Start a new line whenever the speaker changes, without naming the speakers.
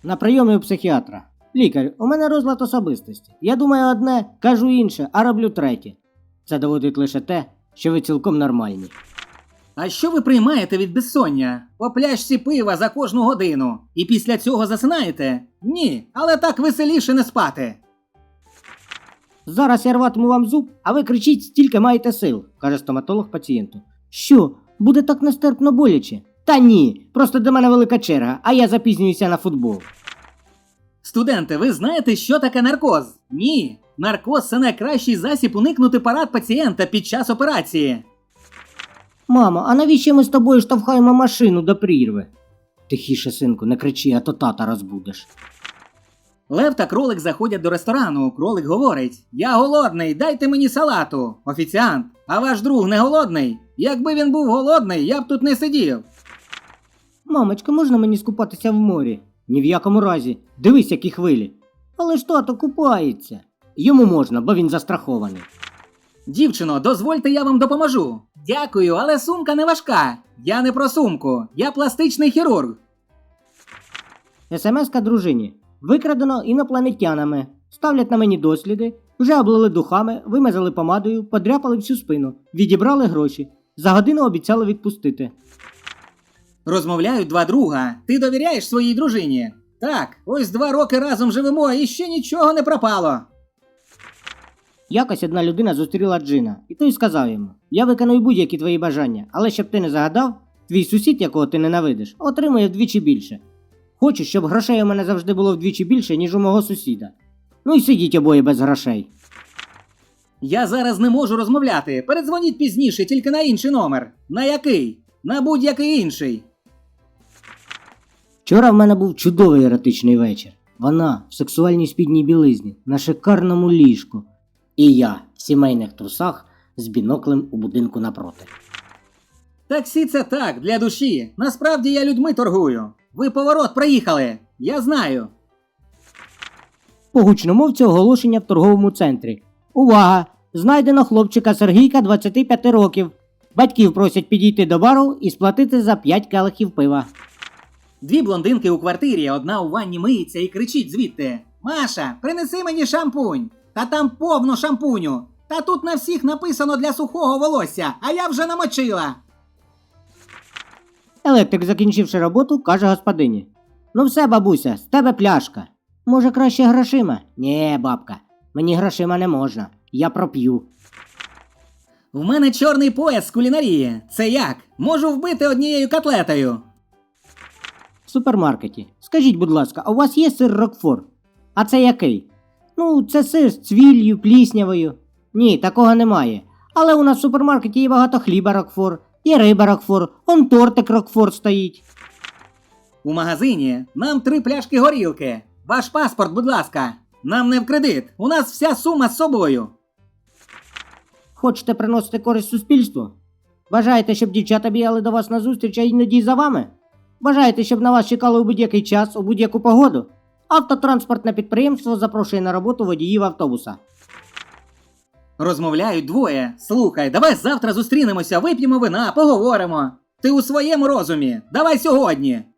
На прийомі у психіатра. Лікар, у мене розлад особистості. Я думаю одне, кажу інше, а роблю третє. Це доводить лише те, що ви цілком нормальні.
А що ви приймаєте від безсоння? По пляшці пива за кожну годину. І після цього засинаєте? Ні, але так веселіше не спати.
Зараз я рватиму вам зуб, а ви кричіть, стільки маєте сил, каже стоматолог пацієнту. Що, буде так нестерпно боляче? Та ні, просто до мене велика черга, а я запізнююся на футбол.
Студенти, ви знаєте, що таке наркоз? Ні. Наркоз – це найкращий засіб уникнути парад пацієнта під час операції.
Мамо, а навіщо ми з тобою штовхаємо машину до прірви? Тихіше, синку, не кричи, а то тата розбудеш.
Лев та кролик заходять до ресторану. Кролик говорить: «Я голодний, дайте мені салату». Офіціант: «А ваш друг не голодний? Якби він був голодний, я б тут не сидів».
Мамочка, можна мені скупатися в морі? Ні в якому разі. Дивись, які хвилі. Але ж тато купається. Йому можна, бо він застрахований.
«Дівчино, дозвольте, я вам допоможу». «Дякую, але сумка не важка». «Я не про сумку, я пластичний хірург».
СМС-ка дружині. Викрадено інопланетянами. Ставлять на мені досліди, вже облили духами, вимазали помадою, подряпали всю спину, відібрали гроші. За годину обіцяли відпустити.
Розмовляють два друга. «Ти довіряєш своїй дружині?» «Так, ось 2 роки разом живемо і ще нічого не пропало».
Якось одна людина зустріла Джина, і той сказав йому: «Я виконую будь-які твої бажання, але щоб ти не загадав, твій сусід, якого ти ненавидиш, отримує вдвічі більше. Хочу, щоб грошей у мене завжди було вдвічі більше, ніж у мого сусіда. Ну і сидіть обоє без грошей».
«Я зараз не можу розмовляти. Передзвоніть пізніше, тільки на інший номер». «На який?» «На будь-який інший».
Вчора в мене був чудовий еротичний вечір. Вона в сексуальній спідній білизні, на шикарному ліжку. І я в сімейних трусах з біноклем у будинку напроти.
«Таксі – це так, для душі. Насправді я людьми торгую. Ви поворот проїхали. Я знаю».
По гучномовці оголошення в торговому центрі. Увага! Знайдено хлопчика Сергійка 25 років. Батьків просять підійти до бару і сплатити за 5 келихів пива.
2 блондинки у квартирі, одна у ванні миється і кричить звідти: «Маша, принеси мені шампунь! Та там повно шампуню! Та тут на всіх написано для сухого волосся, а я вже намочила!»
Електрик, закінчивши роботу, каже господині: «Ну все, бабуся, з тебе пляшка. Може, краще грошима?» «Нє, бабка, мені грошима не можна. Я проп'ю».
«В мене чорний пояс з кулінарії. Це як? Можу вбити однією котлетою».
В супермаркеті. Скажіть, будь ласка, а у вас є сир Рокфор? А це який? Ну, це сир з цвіллю, пліснявою. Ні, такого немає. Але у нас в супермаркеті є багато хліба Рокфор, є риба Рокфор, он тортик Рокфор стоїть.
У магазині нам 3 пляшки горілки. Ваш паспорт, будь ласка. Нам не в кредит. У нас вся сума з собою.
Хочете приносити користь суспільству? Бажаєте, щоб дівчата бігали до вас на зустріч, а іноді за вами? Бажаєте, щоб на вас чекали у будь-який час, у будь-яку погоду? Автотранспортне підприємство запрошує на роботу водіїв автобуса.
Розмовляють двоє. «Слухай, давай завтра зустрінемося, вип'ємо вина, поговоримо». «Ти у своєму розумі? Давай сьогодні».